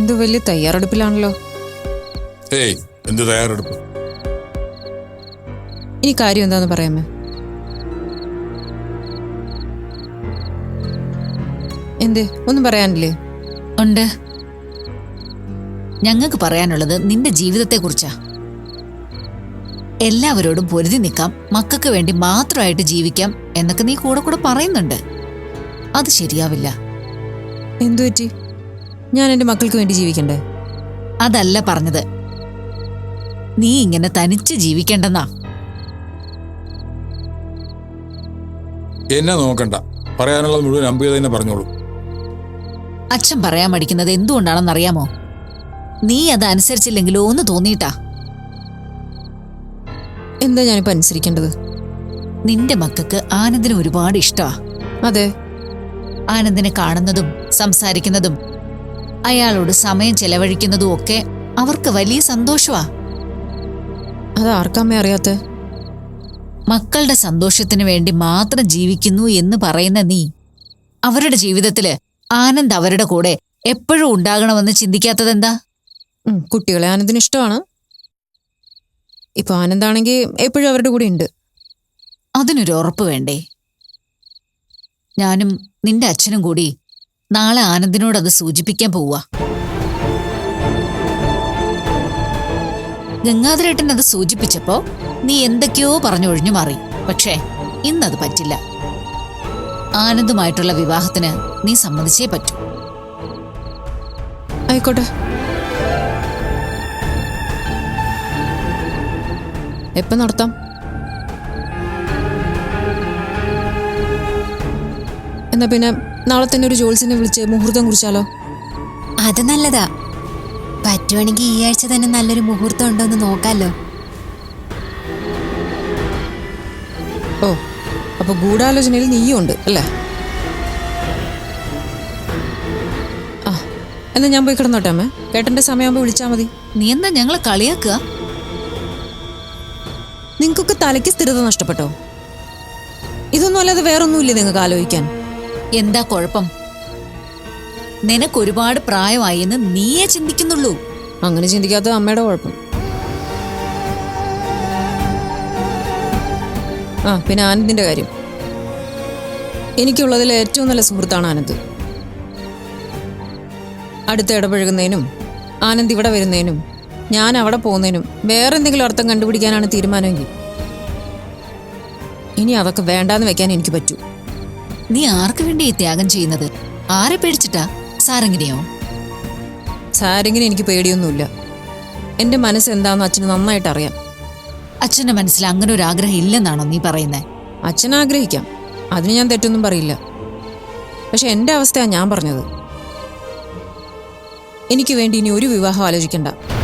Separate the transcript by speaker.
Speaker 1: എന്തോ വലിയ തയ്യാറെടുപ്പിലാണല്ലോ.
Speaker 2: ഏയ്, എന്ത് തയ്യാറെടുപ്പ്?
Speaker 1: ഇനി കാര്യം എന്താന്ന് പറയാമേ? എന്തേ, ഒന്നും പറയാനില്ലേ?
Speaker 3: ഉണ്ട്. ഞങ്ങൾക്ക് പറയാനുള്ളത് നിന്റെ ജീവിതത്തെക്കുറിച്ചാ. എല്ലാവരോടും പൊരുതി നിൽക്കാം, മക്കൾക്ക് വേണ്ടി മാത്രമായിട്ട് ജീവിക്കാം എന്നൊക്കെ നീ കൂടെ കൂടെ പറയുന്നുണ്ട്. അത് ശരിയാവില്ല.
Speaker 1: എന്തു പറ്റി? ഞാൻ എന്റെ മക്കൾക്ക് വേണ്ടി ജീവിക്കണ്ടേ?
Speaker 3: അതല്ല പറഞ്ഞത്. നീ ഇങ്ങനെ തനിച്ച് ജീവിക്കണ്ടെന്നാ.
Speaker 2: എന്നെ നോക്കണ്ട, പറയാനുള്ളത് മുഴുവൻ അമ്പി തന്നെ പറഞ്ഞോളൂ.
Speaker 3: അച്ഛൻ പറയാൻ മടിക്കുന്നത് എന്തുകൊണ്ടാണെന്നറിയാമോ? നീ അത് അനുസരിച്ചില്ലെങ്കിലോ ഒന്ന് തോന്നിയിട്ടാ.
Speaker 1: എന്താ ഞാനിപ്പോ അനുസരിക്കേണ്ടത്?
Speaker 3: നിന്റെ മക്കൾക്ക് ആനന്ദിന് ഒരുപാട് ഇഷ്ടമാ.
Speaker 1: അതെ,
Speaker 3: ആനന്ദിനെ കാണുന്നതും സംസാരിക്കുന്നതും അയാളോട് സമയം ചെലവഴിക്കുന്നതും ഒക്കെ അവർക്ക് വലിയ സന്തോഷമാ.
Speaker 1: അത് ആർക്കമ്മേ അറിയാത്ത?
Speaker 3: മക്കളുടെ സന്തോഷത്തിന് വേണ്ടി മാത്രം ജീവിക്കുന്നു എന്ന് പറയുന്ന നീ അവരുടെ ജീവിതത്തില് ആനന്ദ് അവരുടെ കൂടെ എപ്പോഴും ഉണ്ടാകണമെന്ന് ചിന്തിക്കാത്തതെന്താ?
Speaker 1: കുട്ടികളെ ആനന്ദിന് ഇഷ്ടമാണ്. ഇപ്പൊ ആനന്ദാണെങ്കിൽ എപ്പോഴും അവരുടെ കൂടെ ഉണ്ട്.
Speaker 3: അതിനൊരു ഉറപ്പ് വേണ്ടേ? ഞാനും നിന്റെ അച്ഛനും കൂടി നാളെ ആനന്ദിനോടത് സൂചിപ്പിക്കാൻ പോവാ. ഗംഗാധരേട്ടൻ അത് സൂചിപ്പിച്ചപ്പോ നീ എന്തൊക്കെയോ പറഞ്ഞൊഴിഞ്ഞു മാറി. പക്ഷേ ഇന്നത് പറ്റില്ല. ആനന്ദുമായിട്ടുള്ള വിവാഹത്തിന് നീ സമ്മതിച്ചേ പറ്റൂ.
Speaker 1: ആയിക്കോട്ടെ. എപ്പോ നടത്താം? എന്നാ പിന്നെ നാളെ തന്നെ ഒരു ജോത്സ്യനെ വിളിച്ച് മുഹൂർത്തം കുറിച്ചാലോ?
Speaker 4: അത് നല്ലതാ. പറ്റുവാണെങ്കിൽ ഈ ആഴ്ച തന്നെ നല്ലൊരു മുഹൂർത്തം ഉണ്ടോ എന്ന് നോക്കാലോ.
Speaker 1: ഓ, അപ്പൊ ഗൂഢാലോചനയിൽ നീയും ഉണ്ട് അല്ലേ? ആ, എന്നാ ഞാൻ പോയി കിടന്നോട്ടെ അമ്മേ. കേട്ടന്റെ സമയമാകുമ്പോ വിളിച്ചാ മതി.
Speaker 3: നീ എന്താ ഞങ്ങളെ കളിയാക്കുക?
Speaker 1: നിങ്ങൾക്കൊക്കെ തലയ്ക്ക് സ്ഥിരത നഷ്ടപ്പെട്ടോ? ഇതൊന്നും അല്ലാതെ വേറൊന്നുമില്ലേ നിങ്ങൾക്ക് ആലോചിക്കാൻ?
Speaker 3: എന്താ കുഴപ്പം? നിനക്കൊരുപാട് പ്രായമായി എന്ന് നീയേ ചിന്തിക്കുന്നുള്ളൂ.
Speaker 1: അങ്ങനെ ചിന്തിക്കാത്ത അമ്മയുടെ കുഴപ്പം. ആ, പിന്നെ ആനന്ദിന്റെ കാര്യം. എനിക്കുള്ളതിൽ ഏറ്റവും നല്ല സുഹൃത്താണ് ആനന്ദ്. അടുത്ത് ഇടപഴകുന്നതിനും ആനന്ദ് ഇവിടെ വരുന്നതിനും ഞാൻ അവിടെ പോകുന്നതിനും വേറെ എന്തെങ്കിലും അർത്ഥം കണ്ടുപിടിക്കാനാണ് തീരുമാനമെങ്കിൽ ഇനി അതൊക്കെ വേണ്ടാന്ന് വെക്കാൻ എനിക്ക് പറ്റൂ.
Speaker 3: നീ ആർക്ക് വേണ്ടി ഈ ത്യാഗം ചെയ്യുന്നത്? ആരെ പേടിച്ചിട്ടാ? സാരംഗിനെയോ?
Speaker 1: സാരെങ്കിലും എനിക്ക് പേടിയൊന്നുമില്ല. എന്റെ മനസ്സ് എന്താണെന്ന് അച്ഛന് നന്നായിട്ട് അറിയാം.
Speaker 3: അച്ഛന്റെ മനസ്സിൽ അങ്ങനെ ഒരു ആഗ്രഹം ഇല്ലെന്നാണോ നീ പറയുന്നേ?
Speaker 1: അച്ഛൻ ആഗ്രഹിക്കാം, അതിന് ഞാൻ തെറ്റൊന്നും പറയില്ല. പക്ഷെ എന്റെ അവസ്ഥയാണ് ഞാൻ പറഞ്ഞത്. എനിക്ക് വേണ്ടി ഇനി ഒരു വിവാഹം ആലോചിക്കണ്ട.